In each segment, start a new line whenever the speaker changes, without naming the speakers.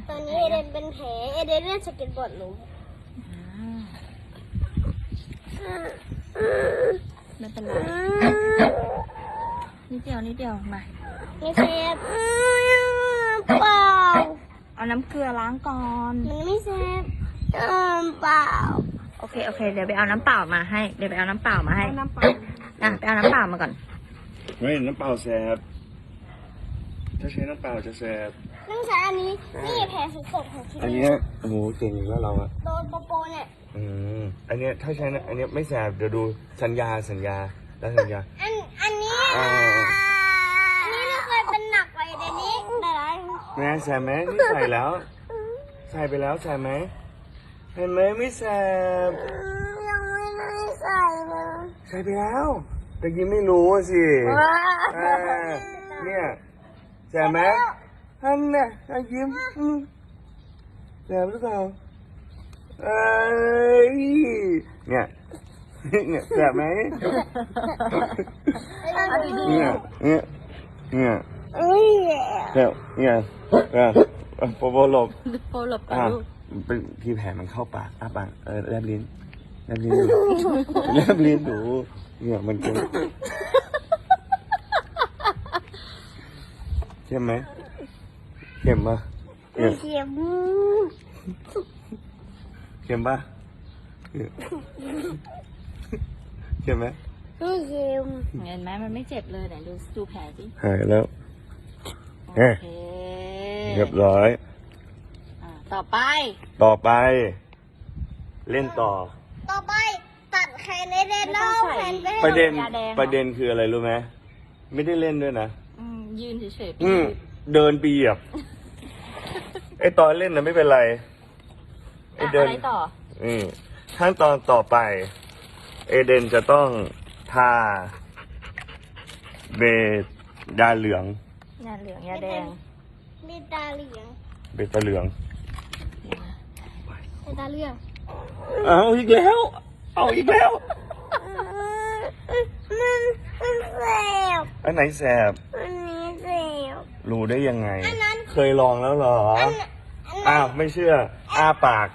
ตอนนี้เอเดนเป็นแผลเอเดนเล่นสเก็ตบอร์ดล้ม
ไม่เป็นไรนิดเดียวมา
ไม่เซฟเปล่า
เอาน้ำเกลือล้างก่อน
มันไม่เซฟเปล่า
โอเคเดี๋ยวไปเอาน้ำเปล่ามาให้ไปเอาน้ำเปล่ามาให้ไปเอาน้ำเปล่ามาก่อน
ไม่น้ำเปล่าแสบถ้าใช้น้ำเปล่าจะแสบ
ต้องใช้อันนี้นี่แผลสดๆของที่
อันเนี้ยโอ้โหเก่งอีกแล้วเราอะ
โดนโปเนี่ย
อันเนี้ยถ้าใช้อันเนี้ยไม่แสบเดี๋ยวดูสัญญาแล้วสัญญา
อันนี้เราเคยเป็นหนักไปเดี๋ยวนี้แต่ละ
แม่แสบไหมนี่ใส่แล้ว ใส่ไปแล้วแสบไหมเห็นไหมไม่แสบ
ยังไม่ได้ใส่เลย
ใส่ไปแล้วแต่กี้ไม่รู้อะสิเนี่ยแสบไหมท่านน่ะยิ้มแสบหรือเปล่าเนี่ยแสบไหมเนี่ยแสบเนี่ยโปโปหลบ
โปรหลบก่อนลูก
เป็นที่แผลมันเข้าปากอ้าปากแลบลิ้นแลบลิ้นหนูเนี่ยมันเค็มไหมเค็มปะเนี่ย
เข็ม
เค็มปะเค็มไหม
ไม่เข็ม
เห็นไหมมันไม่เจ็บเลยไหนดูแผลสิ
หายแล้ว
โอเค
เรียบร้อย
ต่อไป
เล่นต่อ
ต่อไปตัดแขนเอเดนแล้วแขนไป
ประเด็นคืออะไรรู้ไหมไม่ได้เล่นด้วยนะ
ยืนเฉยๆ
เดินไปเหยียบ ไอตอนเล่นนะไม่เป็นไรไอเดิน
อะไรต่อ
ขั้นตอนต่อไป เอเดนจะต้องทาเบยาเหลือง
ยาเหลืองยาแดง
มีตาเหลือง
เบตาเหลือง
มีตาเหลือง
เอาอีกแล้ว
มันแสบ
อันไหนแสบ
อันนี้แสบ
รู้ได้ยังไง
อันนั้น
เคยลองแล้วเหรอ อ้าว ไม่เชื่อ อ้าปาก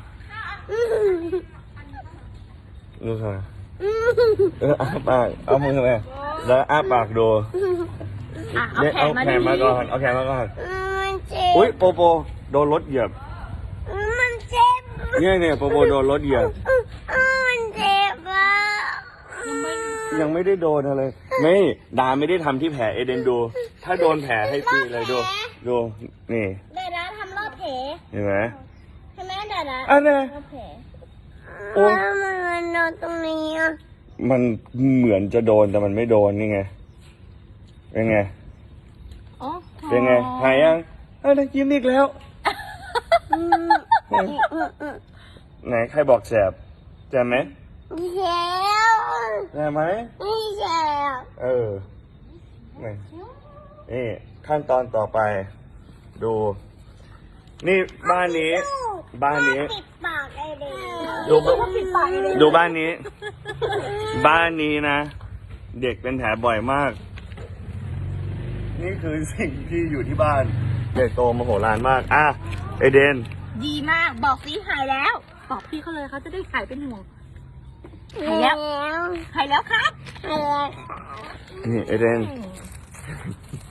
รู้ไหมอ้าปาก เอามือมาแล้วอ้าปากดู
เอาแขนมา
เอาแขนมาก่อน
มันเจ็บ
อุ้ยโปโปโดนรถเหยียบ
มันเจ็บ
เนี่ยโปโปโดนรถเหยียบ
มันเจ็บอ่ะ
ยังไม่ได้โดนอะไร ไม่ดาไม่ได้ทำที่แผลเอเดนดู ถ้าโดนแผลให้ฟรีเลยดู นี่
เดี๋ยวนะทำรอบแผล
เห็นไหม
ใช่ไหมเดี๋ยวนะ
อันนี้
รอบแผล
โอ้
แล้วมันโดนตรงนี้อ่ะ
มันเหมือนจะโดนแต่มันไม่โดนนี่ไง เป็นไง เป็นไง หายยังยิ้มอีกแล้ว ไหนใครบอกแสบแสบไหม
เจ็บ
แสบไหม
ไม่เจ็บ
นี่ขั้นตอนต่อไป ดู นี่บ้านนี้
ปิดปากไอเด็ก
ดูบ้านนี้ บ้านนี้นะ เด็กเป็นแผลบ่อยมาก นี่คือสิ่งที่อยู่ที่บ้านใหญ่โตมโหฬารมากเอเดน
ดีมากบอกสิหายแล้ว บอกพี่เขาเลยเขาจะได้หายเป็นห่วง หายแล้วครับ
นี่เอเดน